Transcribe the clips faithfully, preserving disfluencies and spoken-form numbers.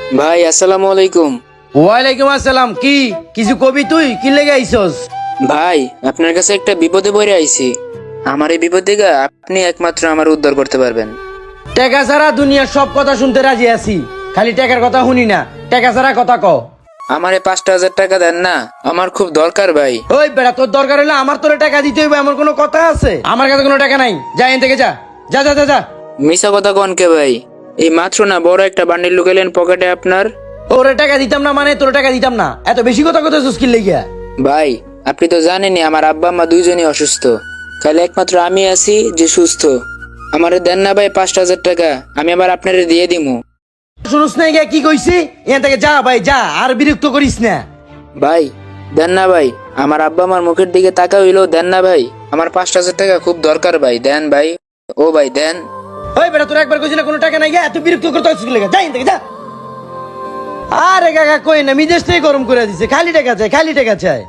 ভাই আসসালামু আলাইকুম। ওয়ালাইকুম আসসালাম। কি কিছু কবি? তুই কি লেগে আইছস? ভাই আপনার কাছে একটা বিপদে পড়ে আইছি। আমার এই বিপদ থেকে আপনি একমাত্র আমার উদ্ধার করতে পারবেন। টাকা ছাড়া দুনিয়ার সব কথা শুনতে রাজি আছি, খালি টাকার কথা শুনি না। টাকা ছাড়া কথা ক। আমার এই পাঁচটা হাজার টাকা দেন না, আমার খুব দরকার ভাই। ওই বেড়া, তোর দরকার হলে আমার তোরে টাকা দিতে হইবে এমন কোনো কথা আছে? আমার কাছে কোনো টাকা নাই, যা এখান থেকে যা যা যা যা যা। মিশা কথা কনকে ভাই? এই মাত্র না বড় একটা বান্ডিল লুকাইলেন পকেটে আপনার। ওরে টাকা দিতাম না মানে তোর টাকা দিতাম না? এত বেশি কথা কথা সুস্কিল লেগিয়া। ভাই আপনি তো জানেনই আমার আব্বা আম্মা দুইজনই অসুস্থ, খালি একমাত্র আমি আছি যে সুস্থ। আমারে দেন না ভাই পাঁচটা হাজার টাকা, আমি আবার আপনারে দিয়ে দিমু। শুনুস না গিয়া কি কইছি? এখান থেকে যা ভাই যা, আর বিরক্ত করিস না। ভাই দেন না ভাই, আমার আব্বা আমার মুখের দিকে তাকা হইলেও দেন না ভাই। আমার পাঁচটা হাজার টাকা খুব দরকার ভাই, দেন ভাই। ও ভাই দেন। ওই বেটা, তোর একবার কইছি না কোনো টাকা নাই, গিয়া এত বিরক্ত করতে সুস্কিল লেগে যা এখান থেকে যা। আরে কাকা কই না, মিজাজটাই গরম করে দিছে, খালি টাকা চাই খালি টাকা চাই।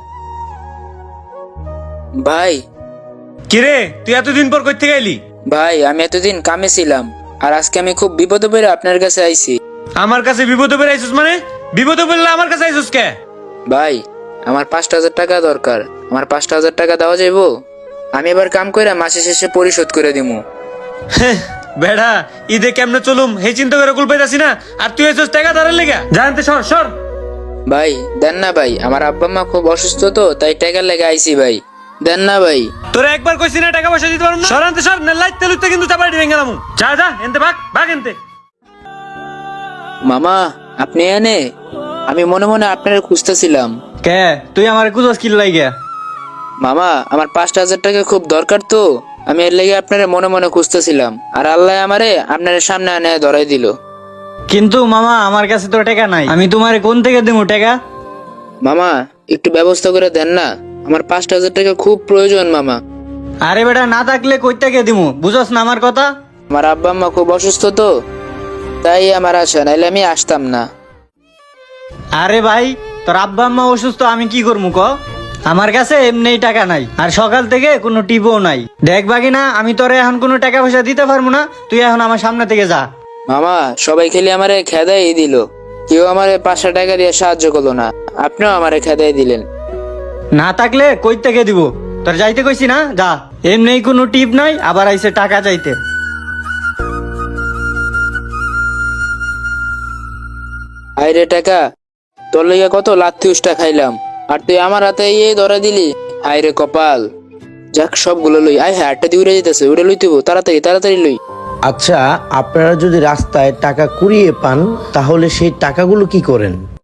ভাই কিরে তুই এতদিন পর কই থেকে এলি? ভাই আমি এতদিন কামে ছিলাম, আর আজকে আমি খুব বিপদে পড়ে আপনার কাছে আইছি। আমার কাছে বিপদে পড়ে আইছিস মানে? বিপদে পড়লে আমার কাছে আইছিস কে? ভাই আমার পাঁচটা হাজার টাকা দরকার, আমার পাঁচটা হাজার টাকা দেওয়া যাইবো? আমি এবার কাম করে মাসে শেষে পরিশোধ করে দিমু। বেড়া ঈদে কেমনে চলুম সেই চিন্তা করে কুল পাইতাছি না, আর তুই আইছিস টাকা ধারের লেগা? জানতে সর সর। ভাই দেন না ভাই, আমার আব্বা মা খুব অসুস্থ তো তাই টাকা লেগে আইছি ভাই, দেন না ভাই। তোরা একবার কইছি না টাকা পয়সা দিতে পারবো না? সরান্তে সর না, লাইতে লুইতে কিন্তু চাপাই দিবেন গেলাম। যা যা এনতে ভাগ ভাগ এনতে। মামা আপনি এনে, আমি মনে মনে আপনার খুঁজতেছিলাম। কে তুই আমার কুজস কিল লাগিয়া? মামা আমার পাঁচটা হাজার টাকা খুব দরকার তো, আমি এর লেগে আপনার মনে মনে খুঁজতেছিলাম, আর আল্লাহ আমারে আপনার সামনে আনে ধরাই দিল। কিন্তু মামা আমার কাছে তো টাকা নাই, আমি তোমারে কোন থেকে দেবো টাকা? মামা একটু ব্যবস্থা করে দেন না, আমার পাঁচটা হাজার টাকা খুব প্রয়োজন মামা। আরে বেটা না থাকলে কই থেকে দিমু, বুঝছ না আমার কথা? আমার আব্বা আম্মা খুব অসুস্থ তো তাই আমার আশা, নাইলে আমি আসতাম না। আরে ভাই তোর আব্বা আম্মা অসুস্থ, আমি কি করবো ক? আমার কাছে এমনি টাকা নাই, আর সকাল থেকে কোনো টিপও নাই। দেখ বাকি না, আমি তোরে এখন কোনো টাকা পয়সা দিতে পারবো না, তুই এখন আমার সামনে থেকে যা। মামা সবাই খেলে আমারে খেদাই দিল, কেউ আমারে পাঁচশো টাকা দিয়ে সাহায্য করলো না, আপনিও আমারে খেদাই দিলেন। না থাকলে কই থেকে দিব? তোর যাইতে কইছি না, যা। এমনি কোনো টিপ নাই, আবার আইসে টাকা চাইতে। আইরে টাকা, তোর লেগে কত লাথি উষ্টা খাইলাম, আর তুই আমার হাতে ইয়ে ধরা দিলি। আইরে কপাল, যাক সবগুলো লই। আয় হ্যাঁ আটটা দিয়ে উড়ে যেতেছে, উড়ে লই তুই তাড়াতাড়ি তাড়াতাড়ি লই। আচ্ছা, আপনারা যদি রাস্তায় টাকা কুড়িয়ে পান তাহলে সেই টাকাগুলো কি করেন?